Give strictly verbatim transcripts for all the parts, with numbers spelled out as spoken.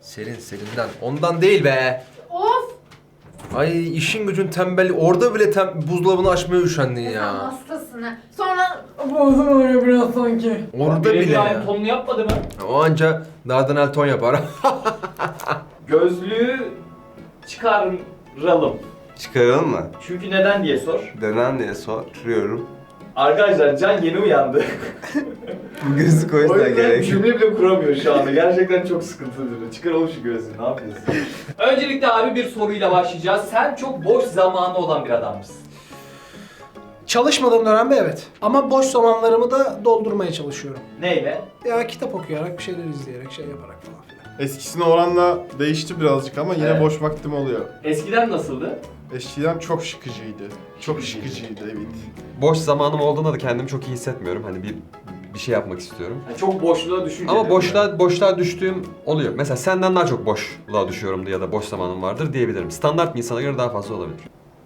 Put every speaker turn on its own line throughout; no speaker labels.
Serin serinden. Ondan değil be.
Of!
Ay işin gücün tembelli. Orada bile tem buzdolabını açmaya üşendin
Sen
ya.
hastasın ha. Sonra boğazım öyle biraz sanki.
Orada bile ya.
aynı tonunu yapmadı mı?
O anca Dardanel ton yapar.
Gözlüğü çıkaralım.
Çıkaralım mı?
Çünkü neden diye sor.
Neden diye soruyorum.
Arkadaşlar Can yeni uyandı.
Bu gözlük o
O
yüzden
yüzden
gerek.
cümle bile kuramıyor şu anda. Gerçekten çok sıkıntılı. Çıkaralım şu gözlüğü. Ne yapıyorsun? Öncelikle abi bir soruyla başlayacağız. Sen çok boş zamanı olan bir adam mısın?
Çalışmadığım dönemde evet. Ama boş zamanlarımı da doldurmaya çalışıyorum.
Neyle?
Ya kitap okuyarak, bir şeyler izleyerek, şey yaparak falan filan.
Eskisine oranla değişti birazcık ama yine
Evet.
boş vaktim oluyor.
Eskiden nasıldı?
Eskiden çok sıkıcıydı. Çok sıkıcıydı evet.
Boş zamanım olduğunda da kendimi çok iyi hissetmiyorum. Hani bir bir şey yapmak istiyorum.
Yani çok boşluğa düşünce.
Ama boşluğa boşluğa düştüğüm oluyor. Mesela senden daha çok boşluğa düşüyorumdur ya da boş zamanım vardır diyebilirim. Standart bir insana göre daha fazla olabilir.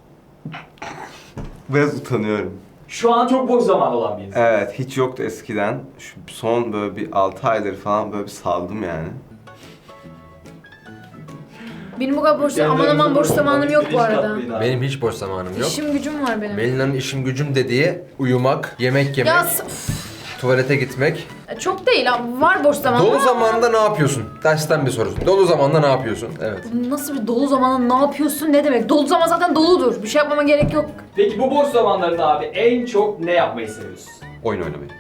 Biraz utanıyorum.
Şu an çok boş zaman olan bir insan.
Evet, hiç yoktu eskiden. Şu son böyle bir altı aydır falan böyle bir saldım yani.
benim bu kadar boş aman aman boş zamanım yok bu arada.
Benim hiç boş zamanım yok.
İşim gücüm var benim.
Melina'nın işim gücüm dediği uyumak, yemek yemek,
Ya s- üf,
tuvalete gitmek.
çok değil ha. Var boş zamanım.
Dolu
ama-
zamanında ne yapıyorsun? Dersten bir soru. Dolu zamanında ne yapıyorsun? Evet.
Nasıl bir dolu zamanında ne yapıyorsun ne demek? Dolu zaman zaten doludur. Bir şey yapmama gerek yok.
Peki bu boş zamanlarında abi en çok ne yapmayı seviyorsun?
Oyun oynamayı.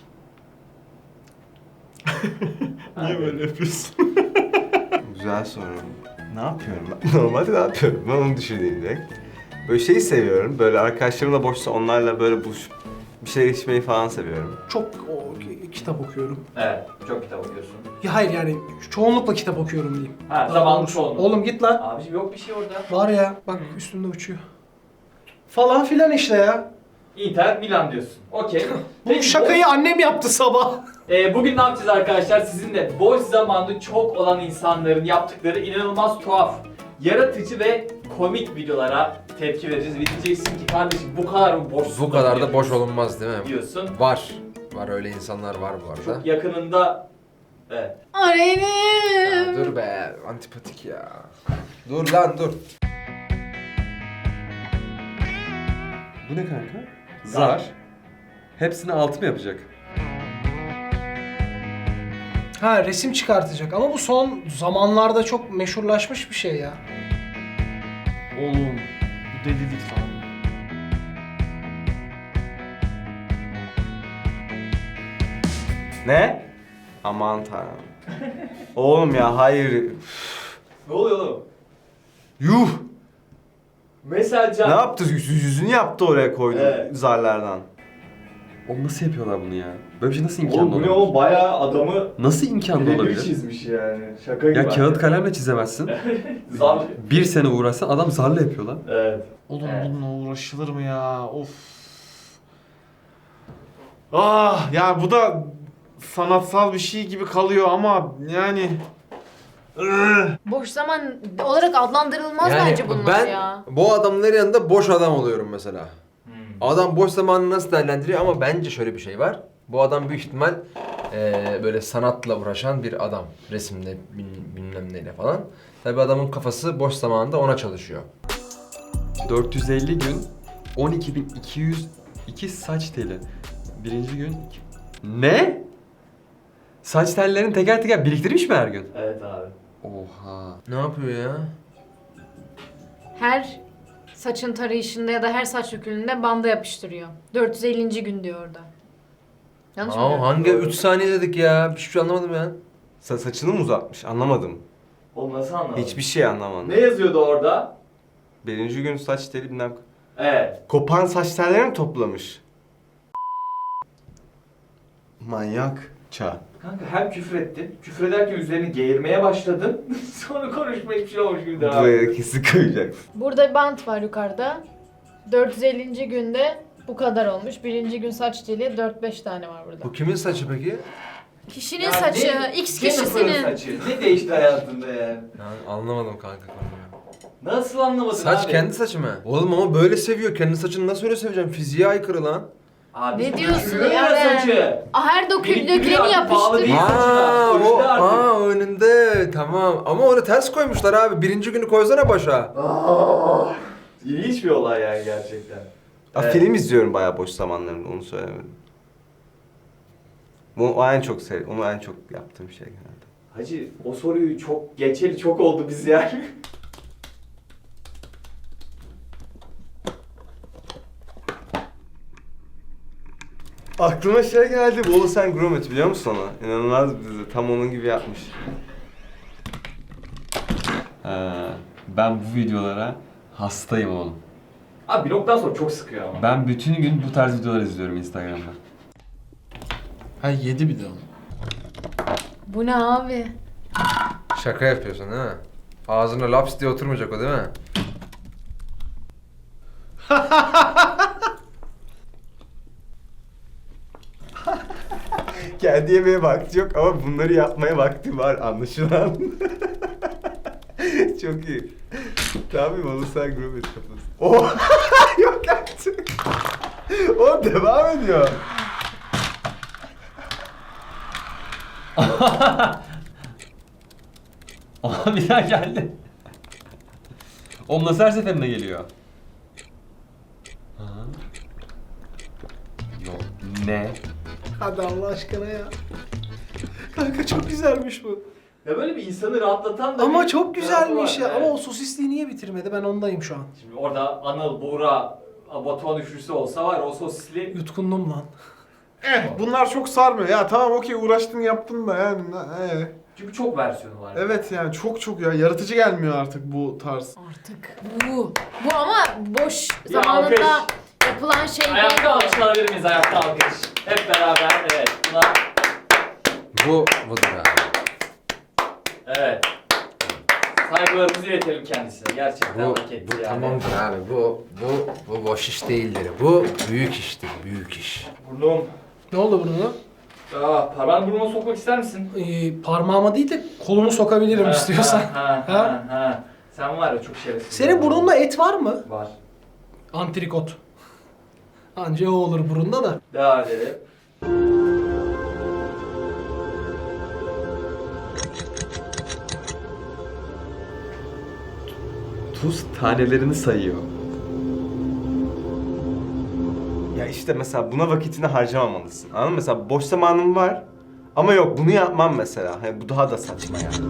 Niye böyle yapıyorsun?
Güzel soru. Ne yapıyorum ben? Normalde ne yapıyorum? Ben onu düşüneyim direkt. Böyle şeyi seviyorum. Böyle arkadaşlarımla boşsa onlarla böyle buluşup bir şey içmeyi falan seviyorum.
Çok o, ki- kitap okuyorum.
Evet, çok kitap okuyorsun.
Ya hayır yani çoğunlukla kitap okuyorum diyeyim.
Ha,
Daha
zamanlı
doğrusu.
çoğunluk.
Oğlum git lan.
Abiciğim yok bir şey orada.
Var ya bak üstümde uçuyor. Falan filan işte ya.
Inter Milan diyorsun. Okey.
Bu
Peki,
şakayı annem yaptı sabah.
Ee, bugün ne yapacağız arkadaşlar? Sizinle boş zamanı çok olan insanların yaptıkları inanılmaz tuhaf, yaratıcı ve komik videolara tepki vereceğiz. Ve diyeceksin ki kardeşim bu kadar mı boşsun?
Bu kadar da boş olunmaz değil mi?
diyorsun.
Var. Var öyle insanlar var bu arada.
Çok yakınında evet.
Ya
Arenim.
dur be, antipatik ya. Dur lan dur.
Bu ne kanka? Zar. Hepsini altı mı yapacak?
Ha resim çıkartacak ama bu son zamanlarda çok meşhurlaşmış bir şey ya.
Oğlum bu delilik falan.
Ne? Aman tanrım. Oğlum ya hayır.
Ne oluyor oğlum?
Yuh!
Mesela Can...
Ne yaptı? Yüz- yüzünü yaptı oraya koydu
Evet.
zarlardan.
Oğlum nasıl yapıyorlar bunu ya? Böyle bir şey nasıl imkanlı
Oğlum bu
olabilir?
ne oğlum bayağı adamı
Nasıl imkanlı
birebir
olabilir?
çizmiş yani. Şaka gibi.
Ya kağıt kalemle çizemezsin.
Zar.
Bir sene uğraşsan adam zarla yapıyor lan.
Evet.
Oğlum
Evet.
bununla uğraşılır mı ya? Of. Ah ya bu da sanatsal bir şey gibi kalıyor ama yani
Boş zaman olarak adlandırılmaz bence bunlar
ben
ya.
bu adamların yanında boş adam oluyorum mesela.
Hmm.
Adam boş zamanını nasıl değerlendiriyor ama bence şöyle bir şey var. Bu adam büyük ihtimal eee, böyle sanatla uğraşan bir adam. Resimle bin- bilmem neyle falan. Tabi adamın kafası boş zamanında ona çalışıyor.
dört yüz elli gün on iki bin iki yüz iki saç teli. Birinci gün... Ne? Saç tellerini teker teker biriktirmiş mi her gün?
Evet abi.
Oha.
Ne yapıyor ya?
Her saçın tarayışında ya da her saç dökülünde banda yapıştırıyor. dört yüz ellinci gün diyor orada. Yanlış mı?
Aa,
diyorum?
hangi üç saniye dedik ya? Hiçbir şey anlamadım ya.
Sa saçını mı uzatmış? Anlamadım.
Oğlum nasıl anlamadın?
Hiçbir şey anlamadım.
Ne yazıyordu orada?
Birinci gün saç teli bilmem...
Evet.
Kopan saç tellerini mi toplamış? Manyak. Ça.
Kanka hem küfür ettin, küfür ederken üzerini geğirmeye başladın. Sonra konuşma hiçbir şey olmuş gibi devam
Buraya
ediyorsun.
kesin koyacaksın.
Burada bir bant var yukarıda. dört yüz ellinci günde bu kadar olmuş. Birinci gün saç teli dört beş tane var burada.
Bu kimin saçı peki?
Kişinin
Ya
saçı,
ne-
X
Jennifer'ın
kişisinin.
saçı. Ne değişti hayatında yani?
Yani anlamadım kanka konuyu.
Nasıl anlamadın
Saç
abi?
kendi saçı mı? Oğlum ama böyle seviyor. Kendi saçını nasıl öyle seveceğim? Fiziğe aykırı lan.
Abi
Ne diyorsun
dökülüyor
ya ben?
saçı.
Ah, her dokül
Biriktiriyor
döküleni
artık, bağlı değil.
yapıştır.
Aa,
Önünde
o,
artık.
aa önünde tamam ama onu ters koymuşlar abi. Birinci günü koysana başa.
İlginç bir olay yani gerçekten.
Aa,
Evet.
Film izliyorum bayağı boş zamanlarımda, onu söylemedim. Bu o en çok sev, onu en çok yaptığım şey genelde.
Hacı o soruyu çok geçeli çok oldu biz yani.
Aklıma şey geldi, Wallace and Gromit biliyor musun onu? İnanılmaz bir dizi, tam onun gibi yapmış.
Ee, ben bu videolara hastayım oğlum.
Abi bir noktadan sonra çok sıkıyor ama.
Ben bütün gün bu tarz videolar izliyorum Instagram'da.
Ha yedi bir de onu.
Bu ne abi?
Şaka yapıyorsun değil mi? Ağzına laps diye oturmayacak o değil mi?
Kendi yemeğe vakti yok ama bunları yapmaya vakti var anlaşılan. Çok iyi. Tabii Wallace and Gromit kafası. Oh! Yok artık. O devam ediyor.
Aha bir daha geldi. Oğlum nasıl her seferinde geliyor? Aha. Yok. Ne?
Hadi Allah aşkına ya. Kanka çok güzelmiş bu.
Ya böyle bir insanı rahatlatan da
Ama
bir
çok
tarafı
güzelmiş
var.
ya.
Evet.
Ama o sosisliği niye bitirmedi? Ben ondayım şu an.
Şimdi orada Anıl, Buğra, Batuhan üçlüsü olsa var ya, o sosisli...
Yutkundum lan.
Eh bunlar çok sarmıyor. Ya tamam okey uğraştın yaptın da yani. Eh.
Çünkü çok versiyonu var.
Evet yani çok çok ya yaratıcı gelmiyor artık bu tarz.
Artık bu. Bu ama boş
Ya,
zamanında
alkış.
yapılan şey değil.
Ayakta alkış alabilir miyiz? Ayakta alkış. Hep beraber. Evet. Buna...
Bu budur abi.
Evet. Saygılarımızı iletelim kendisine. Gerçekten
Bu,
hak etti
bu
yani.
tamamdır abi. Bu bu bu boş iş değildir. Bu büyük iştir. Büyük iş.
Burnum.
Ne oldu bunu?
Aa, parmağını burnuma sokmak ister misin?
Ee, parmağıma değil de kolumu sokabilirim
Ha,
istiyorsan.
Ha, ha,
Ha?
ha, ha. Sen var ya çok şerefsiz.
Senin burnunda et var mı?
Var.
Antrikot. Anca o olur burunda da.
Devam edelim.
Tuz tanelerini sayıyor.
Ya işte mesela buna vakitini harcamamalısın. Anladın mı? Mesela boş zamanım var ama yok bunu yapmam mesela. Hani bu daha da saçma yani.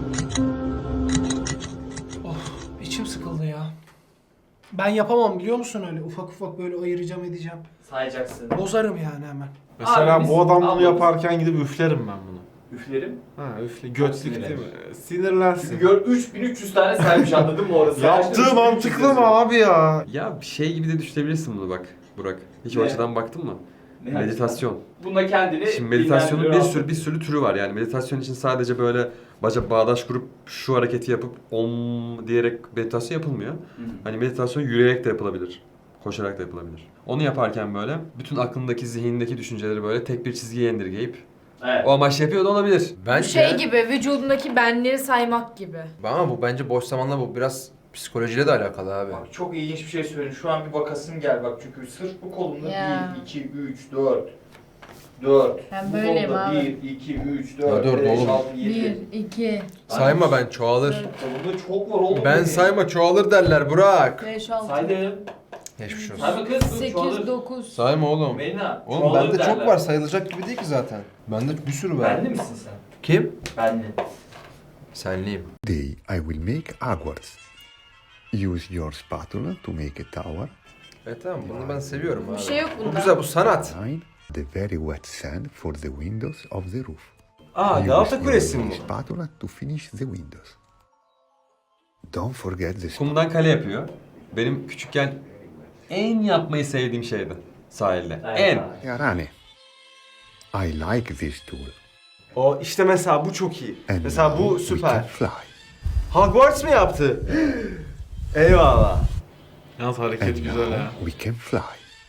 Of içim sıkıldı ya. Ben yapamam biliyor musun öyle? Ufak ufak böyle ayıracağım edeceğim.
Sayacaksın.
Bozarım yani hemen.
Mesela
Abi biz-
bu adam bunu
abi-
yaparken gidip üflerim ben bunu.
Üflerim.
Ha üfle götlük
Sinirlenir.
değil mi? Sinirlensin.
Çünkü gör üç bin üç yüz tane saymış, anladın mı orası?
Yaptığı mantıklı mı abi ya?
Ya bir şey gibi de düşünebilirsin bunu bak Burak. Hiç o
Ne?
açıdan baktın mı?
Ne
Meditasyon.
Bunda kendini
Şimdi meditasyonun bir
dinlendiriyor.
sürü bir sürü türü var. Yani meditasyon için sadece böyle baca bağdaş kurup şu hareketi yapıp om diyerek meditasyon yapılmıyor.
Hı hı.
Hani meditasyon yürüyerek de yapılabilir. Koşarak da yapılabilir. Onu yaparken böyle bütün aklındaki, zihnindeki düşünceleri böyle tek bir çizgiye indirgeyip
Evet.
o amaçla yapıyor da olabilir.
Bu
Bence
şey gibi vücudundaki benleri saymak gibi.
ama bu bence boş zamanla bu biraz psikolojiyle de alakalı abi.
Bak çok ilginç bir şey söyleyeyim. Şu an bir bakasım gel bak, çünkü sırf bu kolumda
Ya.
bir, iki, üç, dört. dört.
Ben
Bu
böyleyim
kolumda
abi.
bir, iki, üç,
Ya
dört,
dört
beş,
oğlum.
altı, yedi.
Bir, iki,
Sayma ben çoğalır.
Kolumda çok var oğlum.
Ben
benim.
sayma çoğalır derler Burak.
beş, altı,
Saydım.
Geçmiş olsun.
Sayma kız. dur,
sekiz,
çoğalır.
dokuz.
Sayma oğlum.
Melina.
Oğlum
çoğalır
bende çok
derler.
var, sayılacak gibi değil ki zaten. Bende bir sürü var.
Benli misin sen?
Kim?
Benli.
Senliyim.
Today I will make awards. Use your spatula to make a tower.
Evet tamam bunu ben seviyorum abi.
Bir şey yok
Bu
bunda.
güzel, bu sanat.
Line the very wet sand for the windows of the roof.
Aa
Use
Galata
your
Kulesi mi
mini
bu?
spatula to finish the windows. Don't forget the
Kumdan kale yapıyor. Benim küçükken en yapmayı sevdiğim şeydi sahilde.
Evet,
En.
abi.
Yarane. I like this tool.
O işte mesela bu çok iyi.
And
Mesela
now
bu
we can
süper.
fly.
Hogwarts mı yaptı? Eyvallah.
Yalnız
And
hareket güzel
now
ha.
we can fly.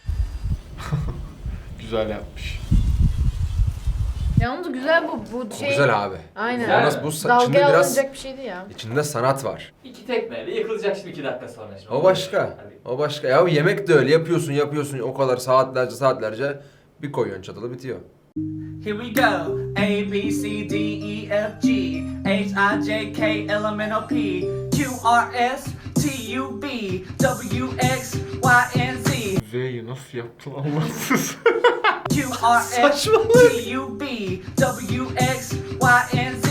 Güzel yapmış.
Yalnız güzel bu. Bu
Bu
şey.
güzel abi.
Aynen.
Güzel.
Yalnız bu sa- içinde
Dalgaya
biraz
alınacak bir şeydi ya.
içinde sanat var.
İki tekmeyle yıkılacak şimdi iki dakika sonra. Şimdi.
O başka.
Hadi.
O başka. Ya yemek de öyle yapıyorsun yapıyorsun o kadar saatlerce saatlerce Bir koyuyorsun çatalı bitiyor.
Here we go. A, B, C, D, E, F, G, H, I, J, K, L, M, N, O, P, Q, R, S, T, U, B, W, X, Y, and Z.
Z'yi nasıl yaptın Allahsız?
Q, R, S, T, U, B, W, X, Y, and Z.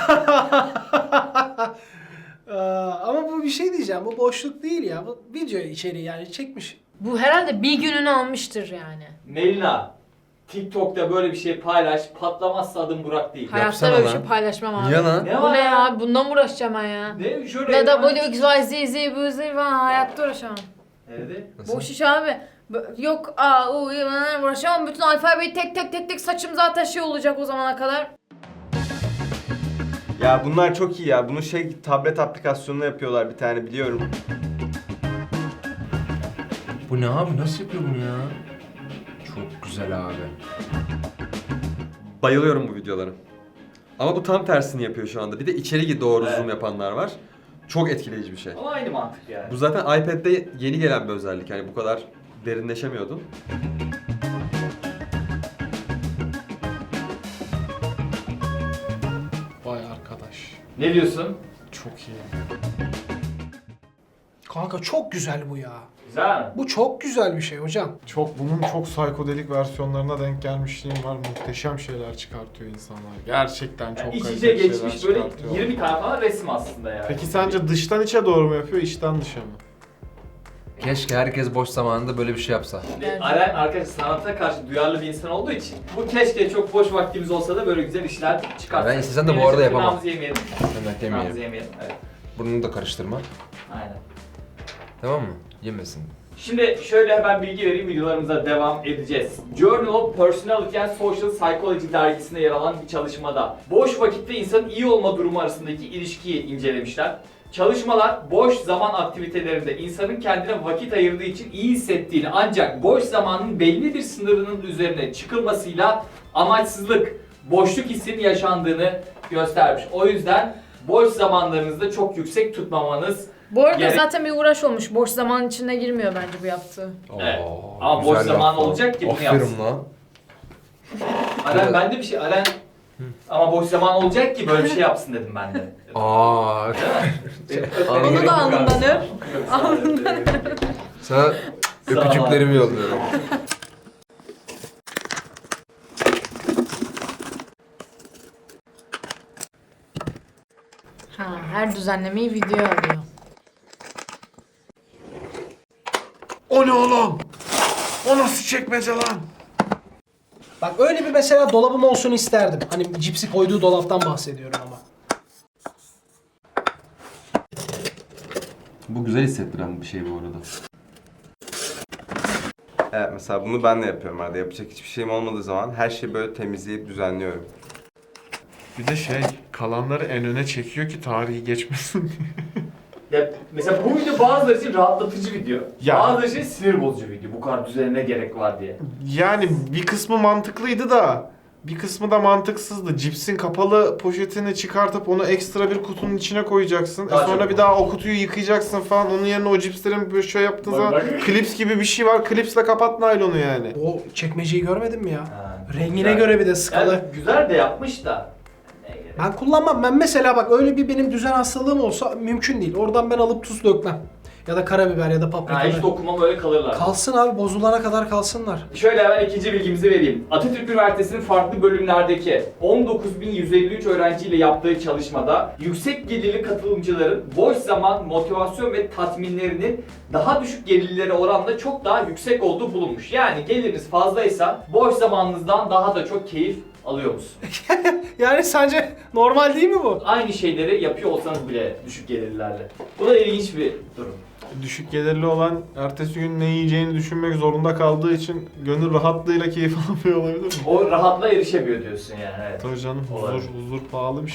Ee, ama bu bir şey diyeceğim. Bu boşluk değil ya. Bu video içeriği yani çekmiş.
Bu herhalde bir gününü almıştır yani.
Melina, TikTok'ta böyle bir şey paylaş, patlamazsa adım Burak değil.
Ya.
Hayatta
Yapsana
böyle bir
lan.
şey paylaşmam abi.
Niye lan?
Ne
Bu
var
ne
ya?
ya? Bundan mı uğraşacağım ben ya?
Ne? Şöyle
Ya da
ekran-
böyle X, Y, Z, Z, bu, Z falan hayatta uğraşamam.
Nerede?
Nasıl?
Boş iş abi. B- Yok A, U, Y, ben uğraşamam. Bütün alfabeyi tek tek tek tek saçım zaten şey olacak o zamana kadar.
Ya bunlar çok iyi ya. Bunu şey tablet aplikasyonuna yapıyorlar bir tane biliyorum.
Bu ne abi? Nasıl yapıyor bunu ya? Çok güzel abi.
Bayılıyorum bu videolara. Ama bu tam tersini yapıyor şu anda. Bir de içeri doğru
Evet.
zoom yapanlar var. Çok etkileyici bir şey.
Ama aynı mantık yani.
Bu zaten iPad'de yeni gelen bir özellik. Yani bu kadar derinleşemiyordun.
Vay arkadaş.
Ne diyorsun?
Çok iyi.
Kanka çok güzel bu ya.
Güzel mi?
Bu çok güzel bir şey hocam.
Çok bunun çok psikodelik versiyonlarına denk gelmişliğim var. Muhteşem şeyler çıkartıyor insanlar. Gerçekten çok
Yani iç içe
kaliteli şeyler
geçmiş böyle
çıkartıyor.
yirmi tane falan resim aslında yani.
Peki sence dıştan içe doğru mu yapıyor, içten dışa mı?
Keşke herkes boş zamanında böyle bir şey yapsa.
Ve Aren arkadaş sanata karşı duyarlı bir insan olduğu için bu keşke çok boş vaktimiz olsa da böyle güzel işler çıkartsak.
Ben istesem de bu arada yapamam.
Tırnağımızı yemeyelim.
Hemen
Tırnağımızı
yemeyelim.
yemeyelim. Evet.
Burnunu da karıştırma.
Aynen.
Tamam mı? Yemesin.
Şimdi şöyle hemen bilgi vereyim, videolarımıza devam edeceğiz. Journal of Personality and Social Psychology dergisinde yer alan bir çalışmada boş vakitte insanın iyi olma durumu arasındaki ilişkiyi incelemişler. Çalışmalar boş zaman aktivitelerinde insanın kendine vakit ayırdığı için iyi hissettiğini ancak boş zamanın belli bir sınırının üzerine çıkılmasıyla amaçsızlık, boşluk hissinin yaşandığını göstermiş. O yüzden boş zamanlarınızda çok yüksek tutmamanız.
Bu arada
Gerek-
zaten bir uğraş olmuş. Boş zaman içine girmiyor bence bu yaptığı.
Evet.
Oo,
Ama
güzel
boş zaman
laf lan.
olacak ki bunu
Aferin
yapsın.
lan.
Aren ben de bir şey, Aren ama boş zaman olacak ki böyle bir şey yapsın dedim ben de.
Aa.
Onu da alnından öp. Alnından
Sana öpücüklerimi yolluyorum.
Ha, her düzenlemeyi videoya alıyor.
O ne oğlum? O nasıl çekmece lan?
Bak öyle bir mesela dolabım olsun isterdim. Hani cipsi koyduğu dolaptan bahsediyorum ama.
Bu güzel hissettiren bir şey bu arada.
Evet mesela bunu ben de yapıyorum arada. Yapacak hiçbir şeyim olmadığı zaman her şeyi böyle temizleyip düzenliyorum.
Bir de şey, kalanları en öne çekiyor ki tarihi geçmesin.
Ya mesela bu video bazıları için rahatlatıcı video.
Ya.
Bazıları için sinir bozucu video. Bu kadar düzenine gerek var diye.
Yani bir kısmı mantıklıydı da bir kısmı da mantıksızdı. Cipsin kapalı poşetini çıkartıp onu ekstra bir kutunun içine koyacaksın.
Daha
e sonra
çok
bir daha o kutuyu yıkayacaksın falan. Onun yerine o cipslerin böyle şey yaptığın
Bak,
zaman
bak.
klips gibi bir şey var. Klipsle kapat naylonu yani.
O çekmeceyi görmedin mi ya?
Ha,
Rengine
güzel.
göre bir de skalı.
Yani güzel de yapmış da. Ne gerek?
Ben kullanmam. Ben mesela bak öyle bir benim düzen hastalığım olsa mümkün değil. Oradan ben alıp tuz dökmem. Ya da karabiber ya da paprika.
Ha, hiç dokunmam öyle kalırlar.
Kalsın abi, bozulana kadar kalsınlar.
Şöyle hemen ikinci bilgimizi vereyim. Atatürk Üniversitesi'nin farklı bölümlerdeki on dokuz bin yüz elli üç öğrenciyle yaptığı çalışmada yüksek gelirli katılımcıların boş zaman, motivasyon ve tatminlerinin daha düşük gelirlilere oranla çok daha yüksek olduğu bulunmuş. Yani geliriniz fazlaysa boş zamanınızdan daha da çok keyif alıyor musunuz?
Yani sence normal değil mi bu?
Aynı şeyleri yapıyor olsanız bile düşük gelirlerle. Bu da ilginç bir durum.
Düşük gelirli olan ertesi gün ne yiyeceğini düşünmek zorunda kaldığı için gönül rahatlığıyla keyif alamıyor olabilir mi?
O rahatla erişemiyor diyorsun yani. Evet.
Tabii canım, huzur,
Olabilir.
huzur pahalı bir şey.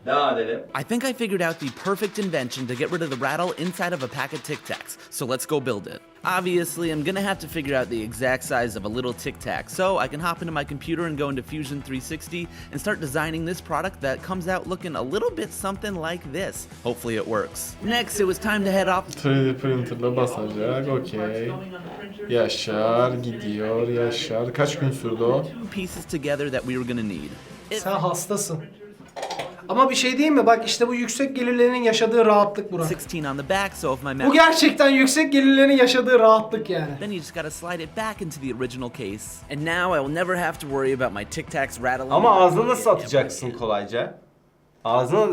Devam edelim.
I think I figured out the perfect invention to get rid of the rattle inside of a pack of Tic Tacs, so let's go build it. Obviously, I'm gonna have to figure out the exact size of a little Tic Tac, so I can hop into my computer and go into Fusion three sixty and start designing this product that comes out looking a little bit something like this. Hopefully it works. Next, it was time to head off
üç D printer'la basacak, okey. Yaşar, gidiyor, yaşar. Kaç gün sürdü o?
two pieces together that we were gonna need. It
Sen hastasın. Ama bir şey diyeyim mi? Bak işte bu yüksek gelirlerin yaşadığı rahatlık Burak.
sixteen on the back, so if my
Bu
math
gerçekten yüksek gelirlerin yaşadığı rahatlık yani.
then you just gotta slide it back into the original case. And now I will never have to worry about my Tic Tacs rattling.
Ama ağzına nasıl atacaksın kolayca? Ağzına...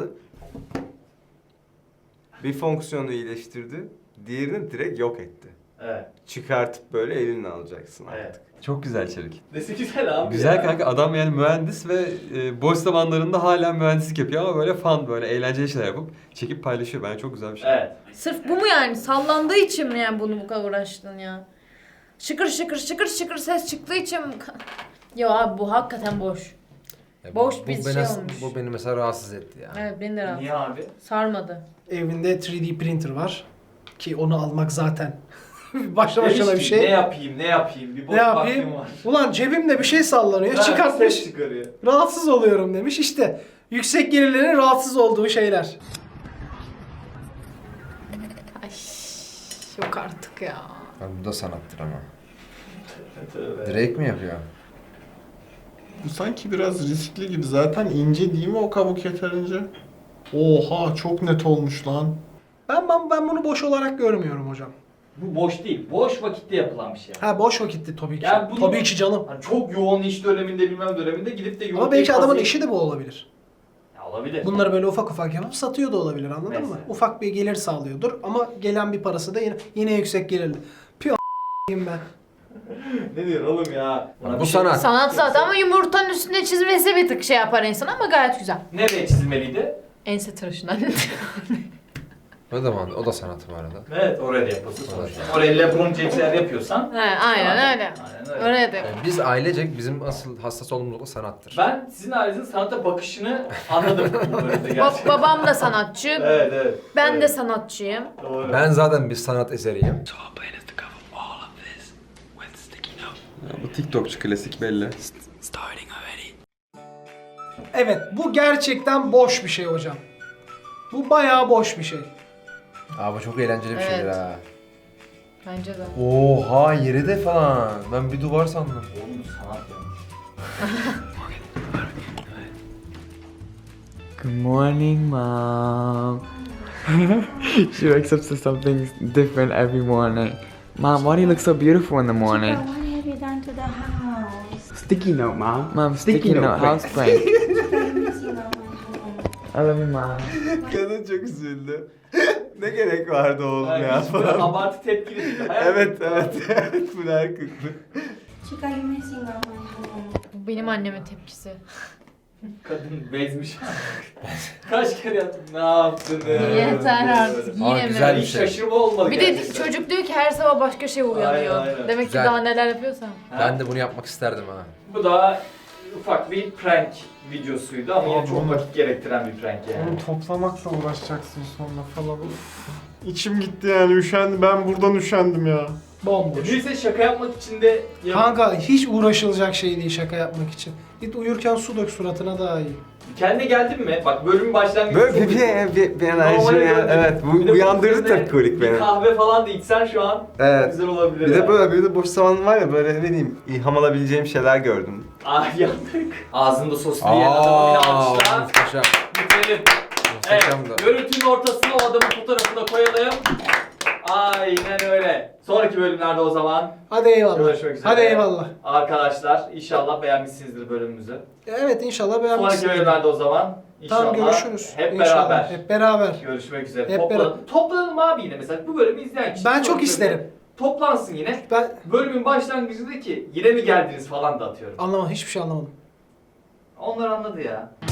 Bir fonksiyonu iyileştirdi, diğerini direkt yok etti.
Evet.
Çıkartıp böyle elinle alacaksın artık.
Evet.
Çok güzel Çevik.
Nesi güzel abi
Güzel
ya.
kanka, adam yani mühendis ve e, boş zamanlarında hala mühendislik yapıyor ama böyle fun, böyle eğlenceli şeyler yapıp çekip paylaşıyor. Bence çok güzel bir şey.
Evet.
Sırf bu mu yani? Sallandığı için mi yani bunu bu kadar uğraştın ya? Şıkır şıkır şıkır şıkır ses çıktığı için mi? Yo abi bu hakikaten boş.
Ya
Boş
bu,
bir
bu
şey
beni,
olmuş.
Bu beni mesela rahatsız etti ya.
Evet beni de rahatsız.
Niye abi?
Sarmadı.
Evinde üç D printer var. Ki onu almak zaten başlı
Demiş
başına bir
ki,
şey.
Ne yapayım, ne yapayım? Bir boş
Ne
vaktim
yapayım?
var.
Ulan cebimde bir şey sallanıyor.
Ha,
Çıkartmış.
ses çıkarıyor.
Rahatsız oluyorum demiş. İşte yüksek gelirlerin rahatsız olduğu şeyler.
Ay yok artık ya.
Abi bu da sanattır ama.
Tövbe.
Drake mi yapıyor?
Bu sanki biraz riskli gibi. Zaten ince değil mi o kabuk yeterince? Oha, çok net olmuş lan.
Ben, ben ben bunu boş olarak görmüyorum hocam.
Bu boş değil. Boş vakitte yapılan bir şey.
Ha boş vakitti tabii ki.
Yani bunu-
Tabii ki canım.
Hani çok yoğun iş döneminde bilmem döneminde gidip de yoğun
Ama belki
bir
adamın
kazıyı-
işi de bu olabilir.
Ya olabilir.
Bunları böyle ufak ufak yapıp satıyor da olabilir, anladın mı?
Mesela.
Ufak bir gelir sağlıyordur ama gelen bir parası da yine yine yüksek gelirli. Piyo a**ayım ben.
Ne diyor oğlum ya? Bana
Bu
bir şey-
sanat.
Sanat zaten ama yumurtanın üstüne çizmesi bir tık şey yapar insan ama gayet güzel.
Nereye çizilmeliydi?
Ense tıraşından.
O da, o da sanat bu arada.
Evet, oraya da yapılsın sonuçta. Oraya LeBron James'ler yapıyorsan.
He, aynen öyle.
Aynen öyle.
Oraya da
Yani biz ailecek bizim asıl hassas olduğumuz nokta sanattır.
Ben sizin ailenizin sanata bakışını anladım bu bölümde
Ba-
gerçekten.
babam da sanatçı.
Evet, evet.
Ben
evet.
de sanatçıyım.
Doğru.
Ben zaten bir sanat eseriyim.
Ya, bu TikTokçu klasik belli.
Evet, bu gerçekten boş bir şey hocam. Bu bayağı boş bir şey.
Abi çok eğlenceli bir
Evet.
şeydir ha.
Bence de.
Oha yeri de falan. Ben bir duvar sandım.
Oğlum sanat yapmış.
Good morning, Mom. She wakes up to something different every morning. Mom, why do you look so beautiful in the morning?
What have you done to the house?
Sticky note, Mom. Mom, sticky, note, house prank.
I'm missing out my home.
I love you, Mom.
Kadın çok üzüldü. Ne gerek vardı oğlum
Yani
ya
hiç böyle
falan.
abartı tepkili değil. Hayal
Evet evet evet bu her kıklı.
Chica, you're missing out my home.
Bu benim annemin tepkisi.
Kadın bezmiş. Kaç kere yaptın? Ne yaptın?
Yeter artık.
Aa,
Yine
güzel
mi?
bir
Hiç
şey.
şaşırma olmadı
Bir de
gerçekten.
çocuk diyor ki her sabah başka şey uyanıyor.
Aynen, aynen.
Demek
Güzel.
ki daha neler yapıyorsa.
Ha.
Ben de bunu yapmak isterdim ha.
Bu da ufak bir prank videosuydu ama yine
Abi
çok
onu-
vakit gerektiren bir prank yani.
Onu toplamakla uğraşacaksın sonra falan. Uf. İçim gitti yani, üşendim. Ben buradan üşendim ya.
Bomboş.
Birisi şaka yapmak için de yap-
Kanka hiç uğraşılacak şey değil şaka yapmak için. Git uyurken su dök suratına daha iyi.
Kendine geldin mi? Bak bölümün başlangıcı
Böyle
çok
bir,
iyi.
bir, bir, bir
Normale
enerji yani,
döndük.
evet bu
Bir de
uyandırdı
bunun üzerine
tepkolik beni.
Bir kahve falan da içsen şu an
Evet.
güzel olabilir.
Bir de
yani.
böyle bir de boş zaman var ya, böyle ne bileyim ilham alabileceğim şeyler gördüm.
Ah yandık. Ağzında soslu yiyen adamı yine alkışla.
muhteşem.
Bitirelim. Evet,
Muhteşem de.
görüntünün ortasına o adamın fotoğrafını da koyalım. Aynen öyle. Sonraki bölümlerde o zaman
Hadi eyvallah.
görüşmek üzere.
Hadi eyvallah.
Arkadaşlar inşallah beğenmişsinizdir bölümümüzü.
Evet inşallah
Sonraki
beğenmişsiniz.
bölümlerde o zaman inşallah
Tamam görüşürüz.
hep
İnşallah.
beraber
Hep beraber.
görüşmek üzere.
Hep
Toplan toplanalım abi yine mesela bu bölümü izleyen kişi.
Ben
sonraki
çok
bölümde
isterim.
Toplansın yine.
Ben
Bölümün başlangıcındaki yine mi geldiniz falan da atıyorum.
anlamadım. Hiçbir şey anlamadım.
Onlar anladı ya.